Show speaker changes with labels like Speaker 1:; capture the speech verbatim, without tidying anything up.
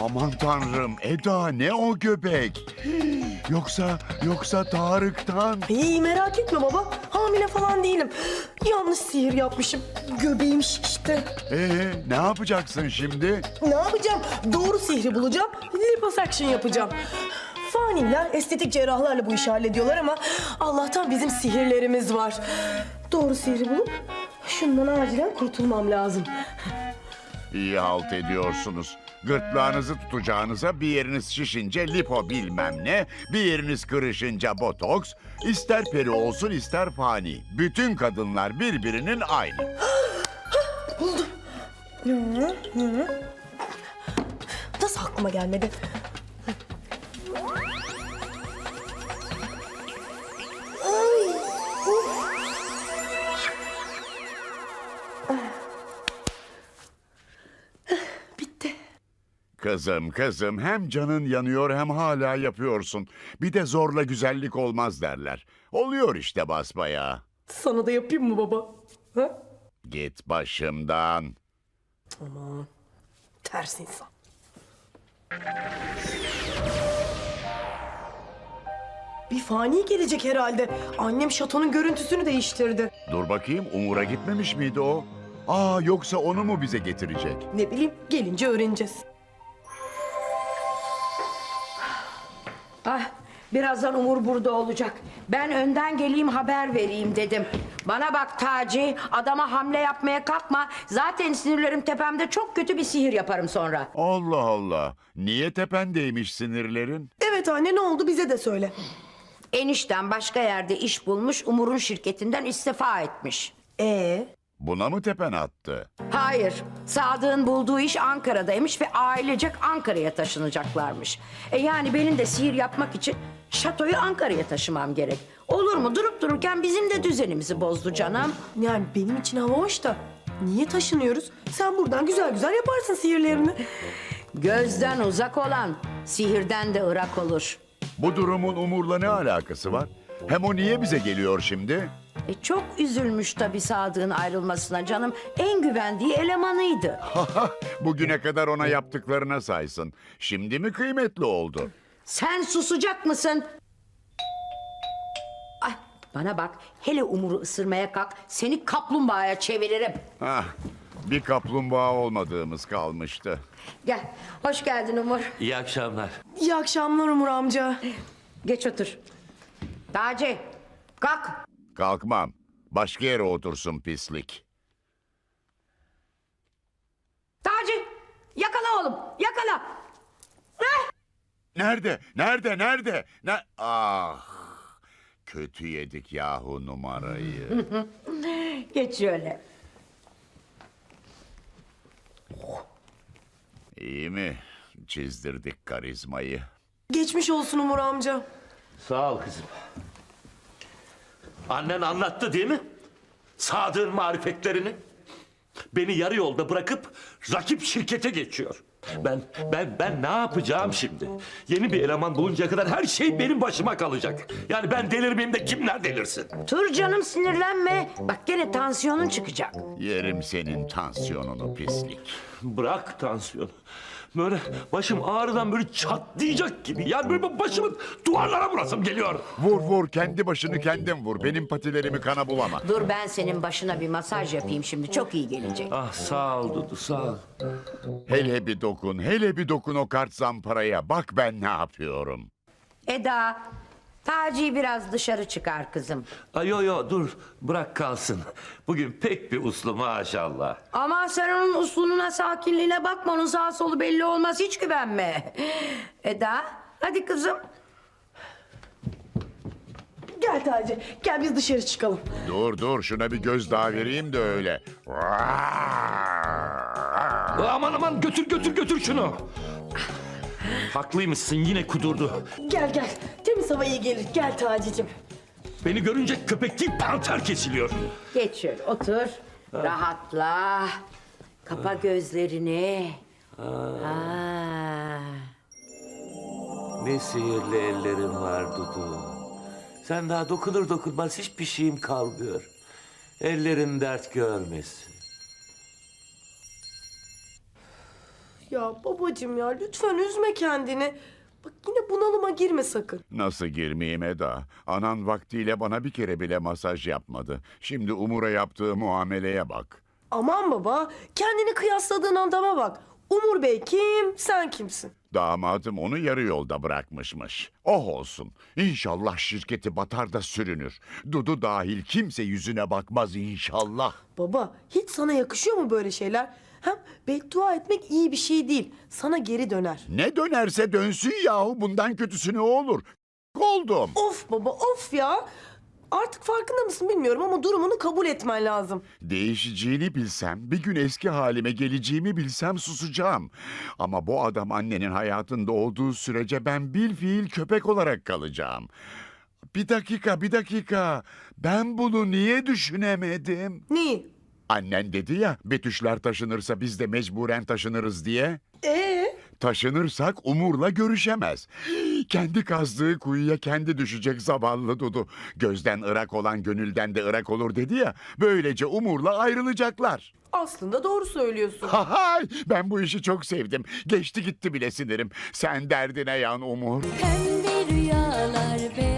Speaker 1: Aman tanrım Eda, ne o göbek? Yoksa yoksa Tarık'tan.
Speaker 2: İyi, merak etme baba. Hamile falan değilim. Yanlış sihir yapmışım. Göbeğim şişti.
Speaker 1: Ee, ne yapacaksın şimdi?
Speaker 2: Ne yapacağım? Doğru sihri bulacağım. Liposuction yapacağım. Faniler estetik cerrahlarla bu işi hallediyorlar ama Allah'tan bizim sihirlerimiz var. Doğru sihri bulup şundan acilen kurtulmam lazım.
Speaker 1: İyi halt ediyorsunuz. Gırtlağınızı tutacağınıza bir yeriniz şişince lipo bilmem ne, bir yeriniz kırışınca botoks, ister peri olsun ister fani. Bütün kadınlar birbirinin aynı.
Speaker 2: Buldum. Hı, hı. Nasıl aklıma gelmedi? Ay, of. Bitti.
Speaker 1: Kızım kızım, hem canın yanıyor hem hala yapıyorsun. Bir de zorla güzellik olmaz derler. Oluyor işte basbayağı.
Speaker 2: Sana da yapayım mı baba? Ha?
Speaker 1: Git başımdan.
Speaker 2: Aman, ters insan. Bir fani gelecek herhalde. Annem şatonun görüntüsünü değiştirdi.
Speaker 1: Dur bakayım, Umur'a gitmemiş miydi o? Aa, yoksa onu mu bize getirecek?
Speaker 2: Ne bileyim, gelince öğreneceğiz.
Speaker 3: Ah, birazdan Umur burada olacak. Ben önden geleyim haber vereyim dedim. Bana bak Taci, adama hamle yapmaya kalkma. Zaten sinirlerim tepemde, çok kötü bir sihir yaparım sonra.
Speaker 1: Allah Allah. Niye tependeymiş sinirlerin?
Speaker 2: Evet anne, ne oldu bize de söyle.
Speaker 3: Enişten başka yerde iş bulmuş, Umur'un şirketinden istifa etmiş.
Speaker 2: Ee,
Speaker 1: Buna mı tepen attı?
Speaker 3: Hayır, Sadık'ın bulduğu iş Ankara'daymış ve ailecek Ankara'ya taşınacaklarmış. E yani benim de sihir yapmak için şatoyu Ankara'ya taşımam gerek. Olur mu? Durup dururken bizim de düzenimizi bozdu canım.
Speaker 2: yani benim için hava hoş da niye taşınıyoruz? Sen buradan güzel güzel yaparsın sihirlerini.
Speaker 3: Gözden uzak olan sihirden de ırak olur.
Speaker 1: Bu durumun Umur'la ne alakası var? Hem o niye bize geliyor şimdi?
Speaker 3: E çok üzülmüş tabii Sadık'ın ayrılmasına canım. En güvendiği elemanıydı.
Speaker 1: Bugüne kadar ona yaptıklarına saysın. Şimdi mi kıymetli oldu?
Speaker 3: Sen susacak mısın? Ay, bana bak, hele Umur'u ısırmaya kalk, seni kaplumbağaya çeviririm.
Speaker 1: Hah, bir kaplumbağa olmadığımız kalmıştı.
Speaker 3: Gel, hoş geldin Umur.
Speaker 4: İyi akşamlar.
Speaker 2: İyi akşamlar Umur amca.
Speaker 3: Geç otur. Taci, kalk.
Speaker 1: Kalkmam. Başka yere otursun pislik.
Speaker 3: Taci, yakala oğlum, yakala. Heh.
Speaker 1: Nerede? Nerede? Nerede? Ne? Ah! Kötü yedik yahu numarayı.
Speaker 3: Geç şöyle.
Speaker 1: İyi mi? Çizdirdik karizmayı.
Speaker 2: Geçmiş olsun Umur amca.
Speaker 4: Sağ ol kızım. Annen anlattı değil mi? Sadık'ın marifetlerini. Beni yarı yolda bırakıp rakip şirkete geçiyor. Ben ben ben ne yapacağım şimdi? Yeni bir eleman buluncaya kadar her şey benim başıma kalacak. Yani ben delirmeyeyim de kimler delirsin?
Speaker 3: Dur canım, sinirlenme. Bak gene tansiyonun çıkacak.
Speaker 1: Yerim senin tansiyonunu pislik.
Speaker 4: Bırak tansiyonu. Böyle başım ağrıdan böyle çatlayacak gibi. Yani böyle başımı duvarlara vurasım geliyor.
Speaker 1: Vur vur, kendi başını kendin vur. Benim patilerimi kana bulama.
Speaker 3: Dur, ben senin başına bir masaj yapayım şimdi, çok iyi gelecek.
Speaker 4: Ah sağ ol Dudu sağ ol.
Speaker 1: Hele bir dokun, hele bir dokun o kart zamparaya. Bak ben ne yapıyorum.
Speaker 3: Eda, Taci'yi biraz dışarı çıkar kızım.
Speaker 4: Ay yo yo dur bırak kalsın. Bugün pek bir uslu maşallah.
Speaker 3: Aman sen onun uslununa, sakinliğine bakma. Onun sağ solu belli olmaz, hiç güvenme. Eda, hadi kızım.
Speaker 2: Gel Taci, gel biz dışarı çıkalım.
Speaker 1: Dur dur, şuna bir göz daha vereyim de öyle.
Speaker 4: Aman aman götür götür götür şunu. Haklıymışsın, yine kudurdu.
Speaker 2: Gel gel, temiz hava iyi gelir. Gel Taci'cim.
Speaker 4: Beni görünce köpek değil panter kesiliyor.
Speaker 3: Geç şöyle otur. Rahatla. Kapa gözlerini. Ha.
Speaker 4: Ne sihirli ellerin var Dudu. Sen daha dokunur dokunmaz hiçbir şeyim kalmıyor. Ellerin dert görmesin.
Speaker 2: Ya babacığım ya lütfen üzme kendini. Bak yine bunalıma girme sakın.
Speaker 1: Nasıl girmeyeyim Eda? Anan vaktiyle bana bir kere bile masaj yapmadı. Şimdi Umur'a yaptığı muameleye bak.
Speaker 2: Aman baba kendini kıyasladığın adama bak. Umur Bey kim, sen kimsin?
Speaker 1: Damadım onu yarı yolda bırakmışmış. Oh olsun. İnşallah şirketi batar da sürünür. Dudu dahil kimse yüzüne bakmaz inşallah.
Speaker 2: Baba hiç sana yakışıyor mu böyle şeyler? Hem beddua etmek iyi bir şey değil. Sana geri döner.
Speaker 1: Ne dönerse dönsün yahu, bundan kötüsü ne olur? Oldum.
Speaker 2: Of baba of ya. Artık farkında mısın bilmiyorum ama durumunu kabul etmen lazım.
Speaker 1: Değişeceğini bilsem, bir gün eski halime geleceğimi bilsem susacağım. Ama bu adam annenin hayatında olduğu sürece ben bilfiil köpek olarak kalacağım. Bir dakika, bir dakika. Ben bunu niye düşünemedim?
Speaker 2: Neyi?
Speaker 1: Annen dedi ya, Betüşler taşınırsa biz de mecburen taşınırız diye.
Speaker 2: Ee?
Speaker 1: Taşınırsak Umur'la görüşemez. Kendi kazdığı kuyuya kendi düşecek zavallı Dudu. Gözden ırak olan gönülden de ırak olur dedi ya. Böylece Umur'la ayrılacaklar.
Speaker 2: Aslında doğru söylüyorsun.
Speaker 1: Hay, ben bu işi çok sevdim. Geçti gitti bile sinirim. Sen derdine yan Umur.
Speaker 5: Pembe rüyalar, beyaz